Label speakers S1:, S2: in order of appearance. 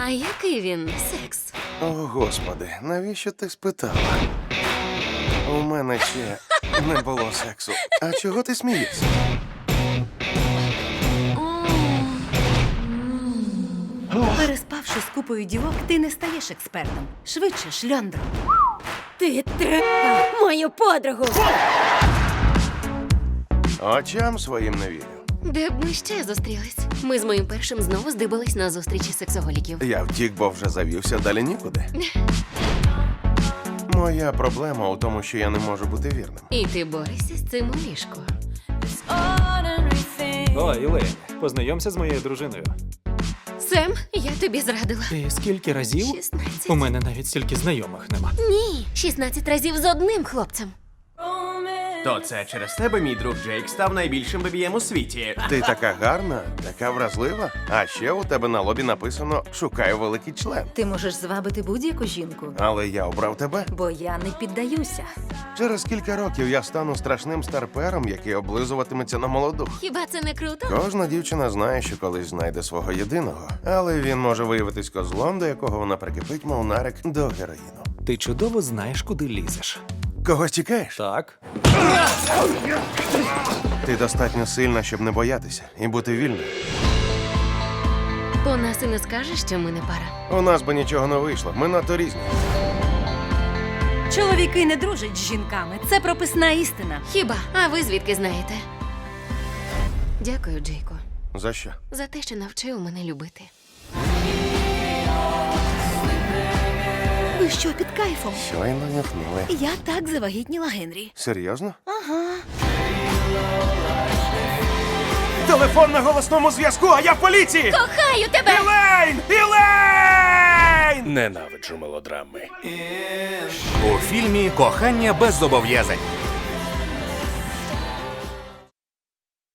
S1: А який він секс?
S2: О, Господи, навіщо ти спитала? У мене ще не було сексу. А чого ти смієшся?
S3: Переспавши з купою дівок, ти не стаєш експертом. Швидше, шльондро. Ти трепав мою подругу!
S2: Очам своїм не вірю.
S1: Де б ми ще зустрілись? Ми з моїм першим знову здибались на зустрічі сексоголіків.
S2: Я втік, бо вже завівся, далі нікуди. Моя проблема у тому, що я не можу бути вірним.
S1: І ти борешся з цим у ліжку.
S4: О, Ілейн, познайомся з моєю дружиною.
S1: Сем, я тобі зрадила.
S4: І скільки разів?
S1: 16.
S4: У мене навіть стільки знайомих нема.
S1: Ні, 16 разів з одним хлопцем.
S5: То це через тебе мій друг Джейк став найбільшим бебієм у світі.
S2: Ти така гарна, така вразлива. А ще у тебе на лобі написано «Шукаю великий член».
S3: Ти можеш звабити будь-яку жінку,
S2: Але я обрав тебе.
S3: бо я не піддаюся.
S2: Через кілька років я стану страшним старпером, який облизуватиметься на молоду.
S1: Хіба це не круто?
S2: Кожна дівчина знає, що колись знайде свого єдиного, але він може виявитись козлом, до якого вона прикипить, мов нарик до героїну.
S4: Ти чудово знаєш, куди лізеш.
S2: Когось тікаєш?
S4: Так?
S2: Ти достатньо сильна, щоб не боятися і бути вільною.
S1: По нас і не скажеш, що ми не пара.
S2: У нас би нічого не вийшло, ми надто різні.
S3: Чоловіки не дружать з жінками. Це прописна істина.
S1: Хіба? А ви звідки знаєте? Дякую, Джейко,
S2: За що?
S1: за те, що навчив мене любити.
S3: Ви що, під кайфом?
S2: Щойно нюхнули.
S3: Я так завагітніла Генрі.
S2: Серйозно? Телефон на голосному зв'язку, а я в поліції!
S1: Кохаю тебе!
S2: Ілейн! Ілейн!
S6: Ненавиджу мелодрами.
S5: У фільмі «Кохання без зобов'язань».